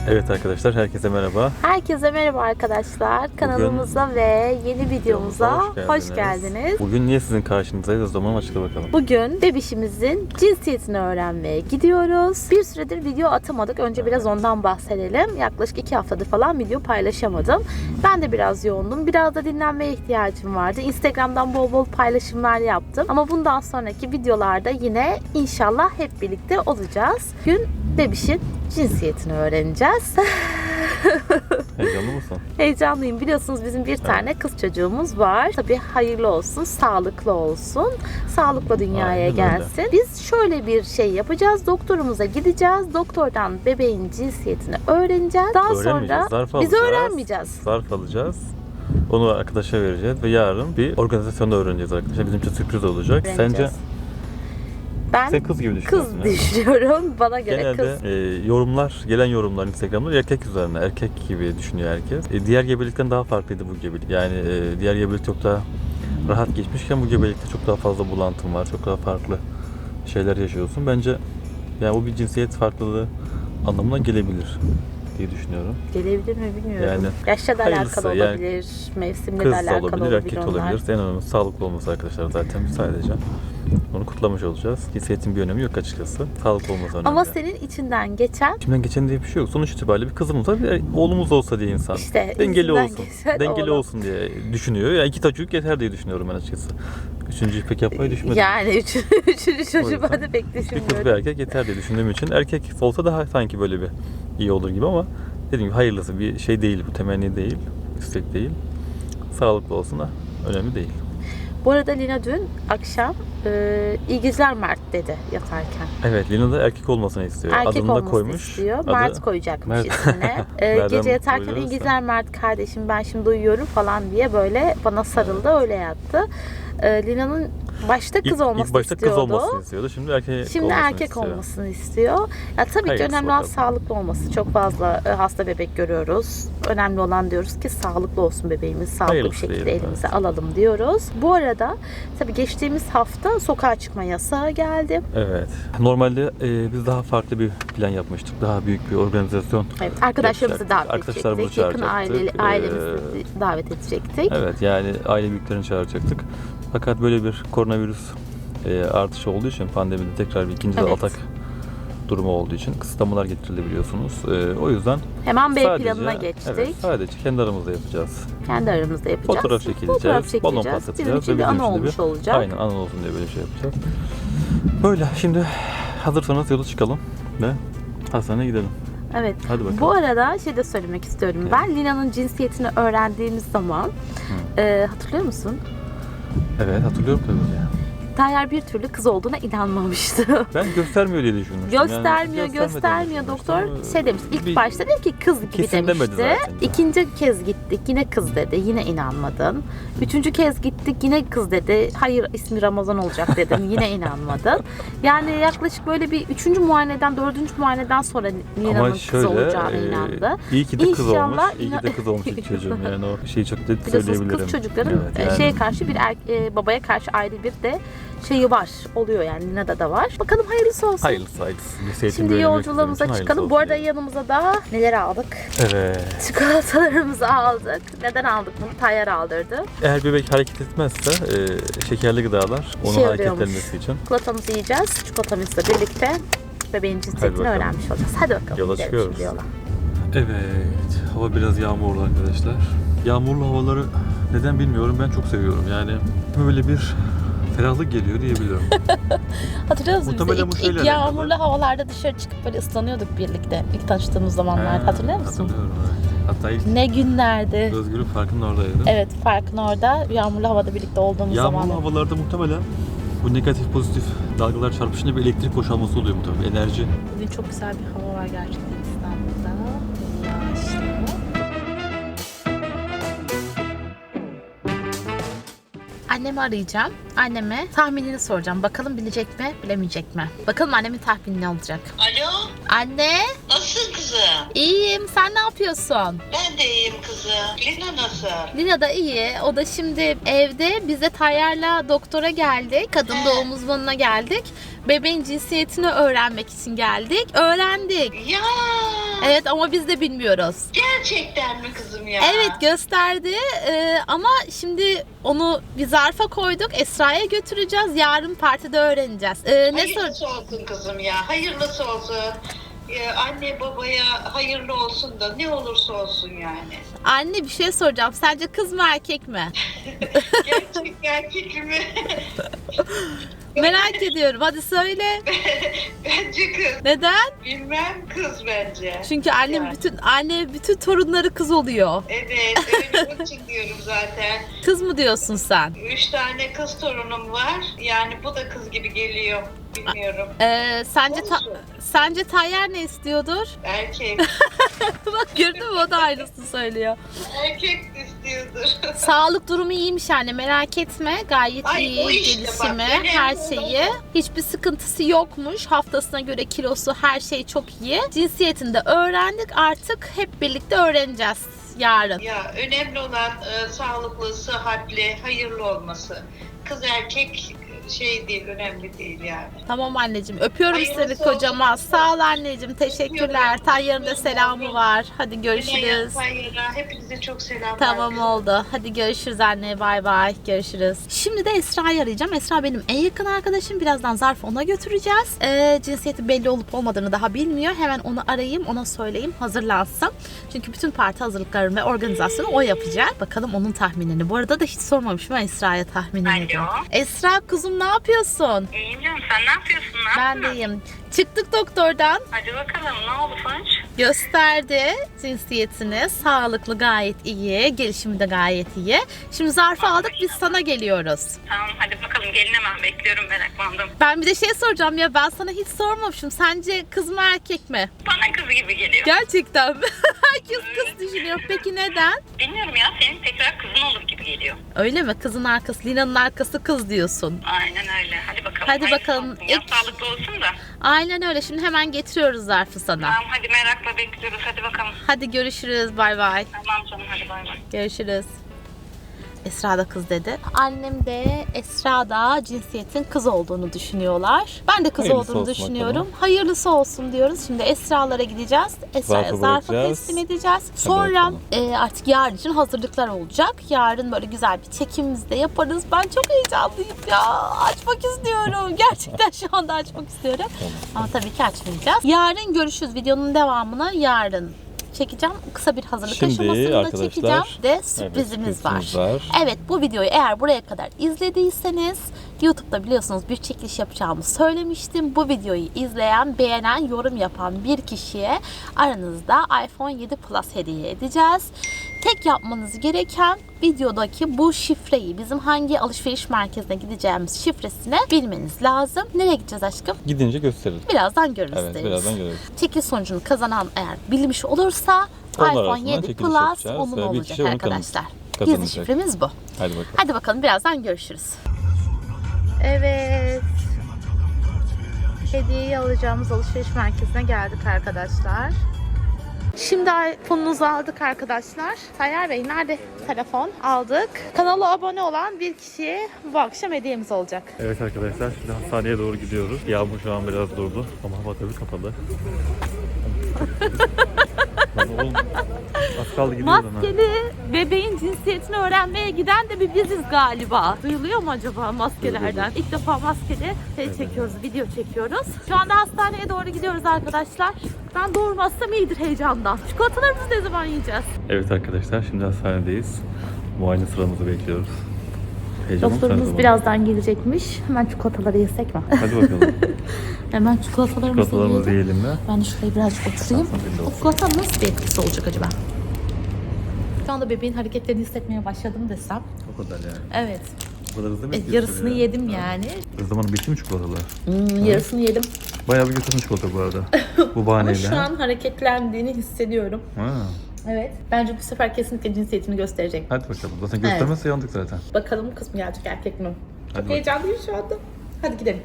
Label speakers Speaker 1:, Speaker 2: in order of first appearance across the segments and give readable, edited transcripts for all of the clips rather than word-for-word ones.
Speaker 1: Evet arkadaşlar, herkese merhaba.
Speaker 2: Herkese merhaba arkadaşlar. Kanalımıza ve yeni videomuza hoş geldiniz.
Speaker 1: Bugün niye sizin karşınızdayız, o zaman açıkla bakalım.
Speaker 2: Bugün bebişimizin cinsiyetini öğrenmeye gidiyoruz. Bir süredir video atamadık. Önce biraz ondan bahsedelim. Yaklaşık 2 haftadır falan video paylaşamadım. Ben de biraz yoğundum. Biraz da dinlenmeye ihtiyacım vardı. Instagram'dan bol bol paylaşımlar yaptım. Ama bundan sonraki videolarda yine inşallah hep birlikte olacağız. Bugün bebişin cinsiyetini öğreneceğiz.
Speaker 1: Heyecanlı mısın?
Speaker 2: Heyecanlıyım. Biliyorsunuz bizim bir tane kız çocuğumuz var. Tabii hayırlı olsun, sağlıklı olsun. Sağlıkla dünyaya gelsin. Biz şöyle bir şey yapacağız. Doktorumuza gideceğiz. Doktordan bebeğin cinsiyetini öğreneceğiz. Daha sonra biz öğrenmeyeceğiz.
Speaker 1: Zarf alacağız. Onu arkadaşa vereceğiz ve yarın bir organizasyonda öğreneceğiz arkadaşlar. Bizim için sürpriz olacak. Sence? Sen kız gibi düşünüyorsun.
Speaker 2: Kız düşünüyorum. Bana göre
Speaker 1: genelde, kız. Gelen yorumlar Instagram'da erkek üzerine. Erkek gibi düşünüyor herkes. Diğer gebelikten daha farklıydı bu gebelik. Yani diğer gebelik çok daha rahat geçmişken bu gebelikte çok daha fazla bulantın var. Çok daha farklı şeyler yaşıyorsun. Bence yani bu bir cinsiyet farklılığı anlamına gelebilir diye düşünüyorum.
Speaker 2: Gelebilir mi bilmiyorum.
Speaker 1: Yani
Speaker 2: yaşla da alakalı olabilir, mevsimle de alakalı olabilir,
Speaker 1: erkek de olabilir. En önemlisi sağlıklı olması arkadaşlar zaten sadece. Onu kutlamış olacağız. Cinsiyetin bir önemi yok açıkçası. Sağlıklı olması önemli.
Speaker 2: Ama senin içinden geçen...
Speaker 1: İçimden geçen diye bir şey yok. Sonuç itibariyle bir kızımız var, bir oğlumuz olsa diye insan.
Speaker 2: İşte
Speaker 1: dengeli olsun. Dengeli
Speaker 2: oğlum
Speaker 1: olsun diye düşünüyor. Yani 2 çocuk yeter diye düşünüyorum ben açıkçası. Üçüncüyü pek yapmayı düşünmedim.
Speaker 2: Yani üçüncü çocuğu ben de pek düşünmüyorum.
Speaker 1: Bir kız bir erkek yeter diye düşündüğüm için. Erkek olsa daha sanki böyle bir iyi olur gibi ama dediğim gibi hayırlısı bir şey değil bu. Temenni değil. İstek değil. Sağlıklı olsun da önemli değil.
Speaker 2: Bu arada Lina dün akşam iyi geceler Mert dedi yatarken.
Speaker 1: Evet, Lina da erkek olmasını istiyor.
Speaker 2: Erkek
Speaker 1: adını
Speaker 2: olmasını
Speaker 1: da koymuş.
Speaker 2: istiyor. Mert koyacakmış ismine. Gece yatarken iyi geceler Mert kardeşim, ben şimdi uyuyorum falan diye böyle bana sarıldı, öyle yattı. Lina'nın başta kız olmasını
Speaker 1: ilk başta
Speaker 2: istiyordu.
Speaker 1: Kız olmasını istiyordu. Şimdi
Speaker 2: erkek olmasını istiyor. Ya tabii ki önemli olan sağlıklı olması. Çok fazla hasta bebek görüyoruz. Önemli olan diyoruz ki sağlıklı olsun bebeğimiz. Sağlıklı bir şekilde elimize alalım diyoruz. Bu arada tabii geçtiğimiz hafta sokağa çıkma yasağı geldi.
Speaker 1: Evet. Normalde biz daha farklı bir plan yapmıştık. Daha büyük bir organizasyon.
Speaker 2: Evet. Arkadaşlarımızı davet edecektik. Yakın ailemizi davet edecektik.
Speaker 1: Evet. Yani aile büyüklerini çağıracaktık. Fakat böyle bir koronavirüs artışı olduğu için pandemide tekrar bir ikinci atak durumu olduğu için kısıtlamalar getirildi biliyorsunuz. O yüzden
Speaker 2: hemen B planına geçtik.
Speaker 1: Evet, sadece kendi aramızda yapacağız.
Speaker 2: Kendi aramızda yapacağız.
Speaker 1: Fotoğraf çekileceğiz. Balon patlatacağız.
Speaker 2: Bizim için bir anı olmuş olacak.
Speaker 1: Aynen, anı olsun diye böyle şey yapacağız. Böyle şimdi hazırsanız yola çıkalım ve hastaneye gidelim.
Speaker 2: Evet.
Speaker 1: Hadi bakalım.
Speaker 2: Bu arada şey de söylemek istiyorum. Evet. Ben Lina'nın cinsiyetini öğrendiğimiz zaman hatırlıyor musun?
Speaker 1: Evet, hatırlıyorum tabii ki.
Speaker 2: Tayyar bir türlü kız olduğuna inanmamıştı.
Speaker 1: Ben göstermiyor diye düşünmüştüm.
Speaker 2: Göstermiyor. Doktor şey demiş. İlk başta dedi ki kız gibi
Speaker 1: kesin
Speaker 2: demişti. İkinci kez gittik yine kız dedi. Yine inanmadın. Üçüncü kez gittik yine kız dedi. Hayır, ismi Ramazan olacak dedim. Yine inanmadın. Yani yaklaşık böyle bir 3. muayeneden 4. muayeneden sonra Lina'nın kız olacağına inandı.
Speaker 1: İyi ki de kız olmuş. İyi ki de kız olmuş ilk çocuğum. Yani o şeyi çok net söyleyebilirim.
Speaker 2: Kız çocukların şeye karşı bir babaya karşı ayrı bir de şeyi var. Oluyor yani. Lina'da da var. Bakalım hayırlısı olsun.
Speaker 1: Hayırlısı.
Speaker 2: Şimdi yolculuğumuza çıkalım. Bu arada yanımıza da neler aldık?
Speaker 1: Evet.
Speaker 2: Çikolatalarımızı aldık. Neden aldık bunu? Tayyar aldırdı.
Speaker 1: Eğer bebek hareket etmezse şekerli gıdalar onun hareketlenmesi için.
Speaker 2: Çikolatamızı yiyeceğiz. Çikolatamızla birlikte bebeğin cinsiyetini öğrenmiş olacağız. Hadi bakalım.
Speaker 1: Yola çıkıyoruz. Evet. Hava biraz yağmurlu arkadaşlar. Yağmurlu havaları neden bilmiyorum. Ben çok seviyorum. Yani böyle bir ferahlık geliyor diyebilirim.
Speaker 2: Hatırlıyor musun? İlk yağmurlu havalarda dışarı çıkıp böyle ıslanıyorduk birlikte. İlk tanıştığımız zamanlar. Hatırlıyor musun?
Speaker 1: Hatırlıyorum. Hatta ilk
Speaker 2: ne günlerdi.
Speaker 1: Özgür'ün Parkı'nın oradaydı.
Speaker 2: Evet, Park'ın orada. Yağmurlu havada birlikte olduğumuz zamanlar.
Speaker 1: Yağmurlu havalarda muhtemelen bu negatif pozitif dalgalar çarpışınca bir elektrik boşalması oluyor muhtemelen. Enerji.
Speaker 2: Bugün çok güzel bir hava var gerçekten İstanbul'da. Yağışlı. Annemi arayacağım. Anneme tahminini soracağım. Bakalım bilecek mi, bilemeyecek mi? Bakalım annemin tahmini ne olacak?
Speaker 3: Alo?
Speaker 2: Anne?
Speaker 3: Nasılsın kızım?
Speaker 2: İyiyim. Sen ne yapıyorsun?
Speaker 3: Ben de iyiyim kızım. Lina nasıl?
Speaker 2: Lina da iyi. O da şimdi evde. Biz de Tayyar'la doktora geldik. Kadın doğum uzmanına geldik. Bebeğin cinsiyetini öğrenmek için geldik. Öğrendik.
Speaker 3: Ya
Speaker 2: Evet ama biz de bilmiyoruz.
Speaker 3: gerçekten mi kızım ya?
Speaker 2: Evet gösterdi ama şimdi onu bir zarfa koyduk. Esra'ya götüreceğiz. Yarın partide öğreneceğiz. Ne sor?
Speaker 3: Hayırlısı olsun kızım ya. Hayırlısı olsun. Anne babaya hayırlı olsun da ne olursa olsun yani.
Speaker 2: Anne bir şey soracağım. Sence kız mı erkek mi?
Speaker 3: Gerçekten fikrimi
Speaker 2: Merak ediyorum. Hadi söyle.
Speaker 3: bence kız.
Speaker 2: Neden?
Speaker 3: Bilmem kız bence.
Speaker 2: Çünkü annem
Speaker 3: Yani.
Speaker 2: anne bütün torunları kız oluyor.
Speaker 3: Evet öyle onun için diyorum zaten.
Speaker 2: Kız mı diyorsun sen?
Speaker 3: 3 tane kız torunum var. Yani bu da kız gibi geliyor. Bilmiyorum.
Speaker 2: Sence sence Tayyar ne istiyordur?
Speaker 3: Erkek.
Speaker 2: Bak gördün mü o da aynısını söylüyor.
Speaker 3: Erkek istiyordur.
Speaker 2: Sağlık durumu iyiymiş anne merak etme. Gayet
Speaker 3: Ay,
Speaker 2: iyi
Speaker 3: o işte bak,
Speaker 2: gelişimi
Speaker 3: önemli
Speaker 2: her
Speaker 3: olan
Speaker 2: şeyi.
Speaker 3: o.
Speaker 2: Hiçbir sıkıntısı yokmuş. Haftasına göre kilosu her şey çok iyi. Cinsiyetini de öğrendik. Artık hep birlikte öğreneceğiz yarın.
Speaker 3: Ya önemli olan sağlıklı, sıhhatli, hayırlı olması. Kız erkek şey değil, önemli değil yani.
Speaker 2: Tamam anneciğim. Öpüyorum
Speaker 3: Hayırlısı
Speaker 2: seni kocaman.
Speaker 3: olsun.
Speaker 2: Sağ ol anneciğim. Teşekkürler. Tayyar'ın da selamı var. Hadi görüşürüz.
Speaker 3: Hepinize çok selamlar.
Speaker 2: Tamam oldu. Hadi görüşürüz anne. Bay bay. Görüşürüz. Şimdi de Esra'yı arayacağım. Esra benim en yakın arkadaşım. Birazdan zarfı ona götüreceğiz. Cinsiyeti belli olup olmadığını daha bilmiyor. Hemen onu arayayım. Ona söyleyeyim. Hazırlansın. Çünkü bütün parti hazırlıklarını ve organizasyonu o yapacak. Bakalım onun tahminini. Bu arada da hiç sormamışım Esra'ya tahminini.
Speaker 4: Alo.
Speaker 2: Esra kuzum ne yapıyorsun?
Speaker 4: İyiyim canım, sen ne yapıyorsun? Ne
Speaker 2: Ben
Speaker 4: yaptın?
Speaker 2: de iyiyim. Çıktık doktordan.
Speaker 4: Hadi bakalım, ne oldu sonuç?
Speaker 2: Gösterdi cinsiyetini. Sağlıklı gayet iyi. Gelişimi de gayet iyi. Şimdi zarfı aldık biz sana geliyoruz.
Speaker 4: Tamam, hadi bakalım, gelin hemen, bekliyorum, meraklandım.
Speaker 2: Ben bir de şey soracağım ya ben sana hiç sormamışım. Sence kız mı erkek mi?
Speaker 4: Bana kız gibi geliyor.
Speaker 2: Gerçekten mi? Herkes kız düşünüyor. Peki neden?
Speaker 4: Bilmiyorum ya, senin tekrar kızın olur gibi geliyor.
Speaker 2: Öyle mi? Kızın arkası, Lina'nın arkası kız diyorsun.
Speaker 4: Aynen öyle, hadi bakalım.
Speaker 2: Hadi
Speaker 4: hayırlısı
Speaker 2: bakalım.
Speaker 4: olsun. Ya sağlıklı olsun da.
Speaker 2: Aynen öyle. Şimdi hemen getiriyoruz zarfı sana.
Speaker 4: Tamam, hadi merakla bekliyoruz, hadi bakalım.
Speaker 2: Hadi görüşürüz. Bay bay.
Speaker 4: Tamam canım, hadi bay bay.
Speaker 2: Görüşürüz. Esra da kız dedi. Annem de Esra da cinsiyetin kız olduğunu düşünüyorlar. Ben de kız
Speaker 1: Hayırlısı
Speaker 2: olduğunu
Speaker 1: olsun
Speaker 2: düşünüyorum.
Speaker 1: bakalım.
Speaker 2: Hayırlısı olsun diyoruz. Şimdi Esra'lara gideceğiz. Esra'ya
Speaker 1: Zarfı
Speaker 2: zarfı
Speaker 1: bırakacağız.
Speaker 2: teslim edeceğiz. Sonra
Speaker 1: bakalım.
Speaker 2: artık yarın için hazırlıklar olacak. Yarın böyle güzel bir çekimimizi de yaparız. Ben çok heyecanlıyım ya. Açmak istiyorum. Gerçekten şu anda açmak istiyorum. Ama tabii ki açmayacağız. Yarın görüşürüz. Videonun devamını yarın çekeceğim. Kısa bir hazırlık
Speaker 1: Şimdi
Speaker 2: aşamasını da
Speaker 1: arkadaşlar,
Speaker 2: çekeceğim. De sürprizimiz var. Evet bu videoyu eğer buraya kadar izlediyseniz YouTube'da biliyorsunuz bir çekiliş yapacağımı söylemiştim. Bu videoyu izleyen, beğenen, yorum yapan bir kişiye aranızda iPhone 7 Plus hediye edeceğiz. Tek yapmanız gereken videodaki bu şifreyi, bizim hangi alışveriş merkezine gideceğimiz şifresini bilmeniz lazım. Nereye gideceğiz aşkım?
Speaker 1: Gidince gösterelim.
Speaker 2: Birazdan görürüz.
Speaker 1: Evet,
Speaker 2: deriz.
Speaker 1: birazdan görürüz.
Speaker 2: Çekiliş sonucunu kazanan eğer bilmiş olursa
Speaker 1: Onlar
Speaker 2: iPhone
Speaker 1: arasından
Speaker 2: 7
Speaker 1: çekiliş
Speaker 2: Plus
Speaker 1: yapacağız
Speaker 2: onun
Speaker 1: ve bir
Speaker 2: olacak
Speaker 1: kişi onu
Speaker 2: arkadaşlar. Gizli
Speaker 1: kazanacak.
Speaker 2: şifremiz bu.
Speaker 1: Hadi bakalım.
Speaker 2: Hadi bakalım birazdan görüşürüz. Evet. Hediyeyi alacağımız alışveriş merkezine geldik arkadaşlar. Şimdi iPhone'unuzu aldık arkadaşlar. Tayyar Bey nerede telefon? Aldık. Kanala abone olan bir kişiye bu akşam hediyemiz olacak.
Speaker 1: Evet arkadaşlar şimdi hastaneye doğru gidiyoruz. Yağmur şu an biraz durdu ama hava tabii kapalı. Lan oğlum, az kaldı gidiyoruz ama.
Speaker 2: Maskeli bebeğin cinsiyetini öğrenmeye giden de bir biziz galiba. Duyuluyor mu acaba maskelerden? İlk defa maskeli çekiyoruz, video çekiyoruz. Şu anda hastaneye doğru gidiyoruz arkadaşlar. Ben doğurmazsam iyidir heyecandan. Çikolatalarımızı ne zaman yiyeceğiz?
Speaker 1: Evet arkadaşlar şimdi hastanedeyiz. Muayene sıramızı bekliyoruz. Heyecanlı
Speaker 2: Doktorumuz
Speaker 1: mısınız?
Speaker 2: birazdan gelecekmiş. Hemen çikolataları yesek mi?
Speaker 1: Hadi bakalım.
Speaker 2: Hemen çikolatalarımızı
Speaker 1: Çikolatalarımızı
Speaker 2: yiyelim.
Speaker 1: yiyelim mi?
Speaker 2: Ben de şuraya birazcık oturayım. O çikolata nasıl bir etkisi olacak acaba? Şu anda bebeğin hareketlerini hissetmeye başladım desem.
Speaker 1: O kadar yani.
Speaker 2: Evet.
Speaker 1: O kadar hızlı mı
Speaker 2: Yarısını yedim yani.
Speaker 1: Zamanı bitti mi çikolatalar?
Speaker 2: Yarısını yedim.
Speaker 1: Bayağı bir götürdün çikolata bu arada. Bu
Speaker 2: Ama
Speaker 1: bahaneyle.
Speaker 2: şu an hareketlendiğini hissediyorum.
Speaker 1: Ha.
Speaker 2: Evet. Bence bu sefer kesinlikle cinsiyetini gösterecek.
Speaker 1: Hadi bakalım. Zaten göstermezse yandık zaten.
Speaker 2: Bakalım kız mı gelecek erkek mi? Çok
Speaker 1: Hadi
Speaker 2: heyecanlıyım şu anda. Hadi gidelim.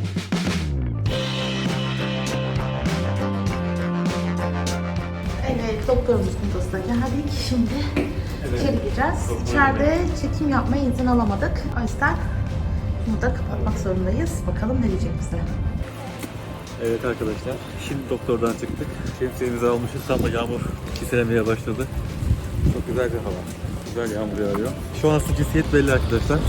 Speaker 2: Evet, doktorumuzun odasına geldik. Şimdi içeri gireceğiz. İçeride çekim yapmaya izin alamadık. O yüzden Bunu da kapatmak zorundayız. Bakalım ne diyecek bize.
Speaker 1: Evet arkadaşlar, şimdi doktordan çıktık. Şemsiyemizi almışız, tam da yağmur çiselemeye başladı. Çok güzel bir hava. Güzel yağmur yağıyor. Şu an aslında cinsiyet belli arkadaşlar.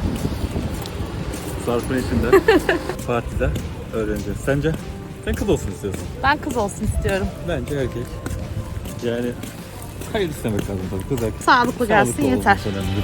Speaker 1: Sarp'ın içinde. Partide öğreneceğiz. Sence? Sen kız olsun istiyorsun.
Speaker 2: Ben kız olsun istiyorum.
Speaker 1: Bence erkek. Yani hayır istemek lazım tabii. Kız erkek.
Speaker 2: Sağlıklı gelsin
Speaker 1: Sağlıklı
Speaker 2: yeter.
Speaker 1: olması önemli.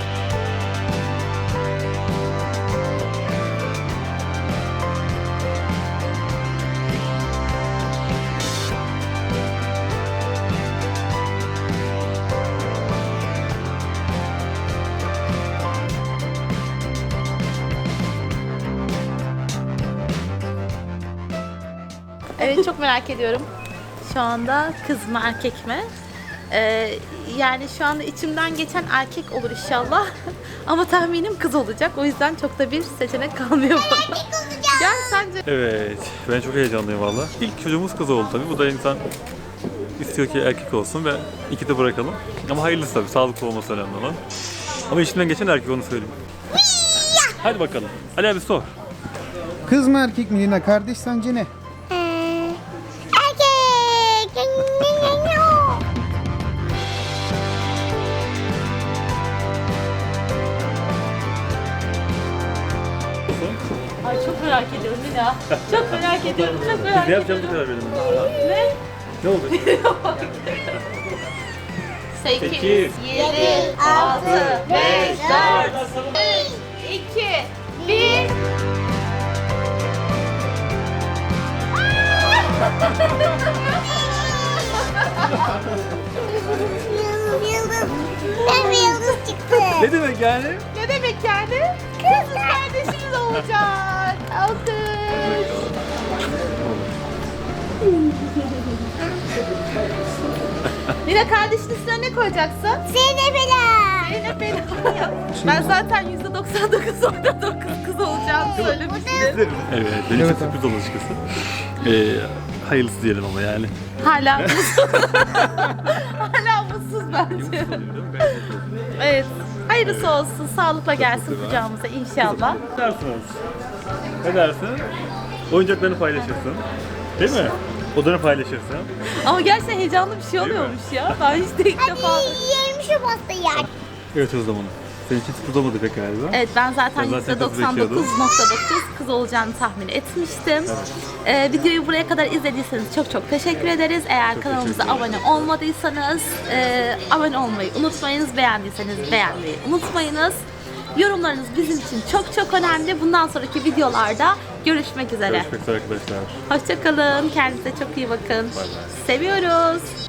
Speaker 2: Evet, çok merak ediyorum. Şu anda kız mı erkek mi? Yani şu anda içimden geçen erkek olur inşallah. Ama tahminim kız olacak. O yüzden çok da bir seçenek kalmıyor bana. Gel sence.
Speaker 1: Evet, ben çok heyecanlıyım valla. İlk çocuğumuz kız oldu tabii. Bu da insan istiyor ki erkek olsun ve iki de bırakalım. Ama hayırlısı tabii, sağlıklı olması önemli olan. Ama içinden geçen erkek, onu söyleyeyim. Hadi bakalım. Ali abi sor.
Speaker 5: Kız mı erkek mi Lina? Kardeş sence ne?
Speaker 2: Ay çok merak ediyorum Lina. Çok merak ediyorum. Çok merak
Speaker 1: Ne
Speaker 2: ediyorum.
Speaker 1: yapacağımızı karar verelim.
Speaker 2: Ne?
Speaker 1: Ne oldu?
Speaker 2: 8,
Speaker 1: 8,
Speaker 2: 7, 6, 5, 4, 3, 2, 1.
Speaker 6: Ben bir yıldız çıktı.
Speaker 1: Ne demek yani?
Speaker 2: Ne demek yani? Kız kardeşiniz olacak. Alkış. Lina, kardeşin üstüne ne koyacaksın?
Speaker 6: Zeynep Ela.
Speaker 2: Zeynep Ela. Ben zaten %99.9 kız olacağını söylemiştim.
Speaker 1: Evet, benim için
Speaker 5: Evet abi.
Speaker 1: sürpriz oldu açıkçası. Hayırlısı diyelim ama yani.
Speaker 2: Hala mutsuz. Hala mutsuz bence. Evet. Hayırlısı olsun. Sağlıkla gelsin kucağımıza inşallah.
Speaker 1: Ne dersiniz? Ne dersin? Oyuncaklarını paylaşırsın. Değil mi? Odanı paylaşırsın.
Speaker 2: Ama gerçekten heyecanlı bir şey oluyormuş ya. Ben hiç de ilk defa...
Speaker 6: Yiyelim şu pastayı.
Speaker 1: Evet o zaman. Senin için tutamadı pek galiba.
Speaker 2: Evet, ben zaten
Speaker 1: Ben zaten kız bekliyordum.
Speaker 2: %99.9 kız olacağını tahmin etmiştim. Videoyu buraya kadar izlediyseniz çok çok teşekkür ederiz. Eğer kanalımıza
Speaker 1: teşekkür
Speaker 2: abone olmadıysanız abone olmayı unutmayınız. Beğendiyseniz beğenmeyi unutmayınız. Yorumlarınız bizim için çok çok önemli. Bundan sonraki videolarda görüşmek üzere.
Speaker 1: Görüşmek üzere arkadaşlar.
Speaker 2: Hoşça kalın. Kendinize çok iyi bakın. Seviyoruz.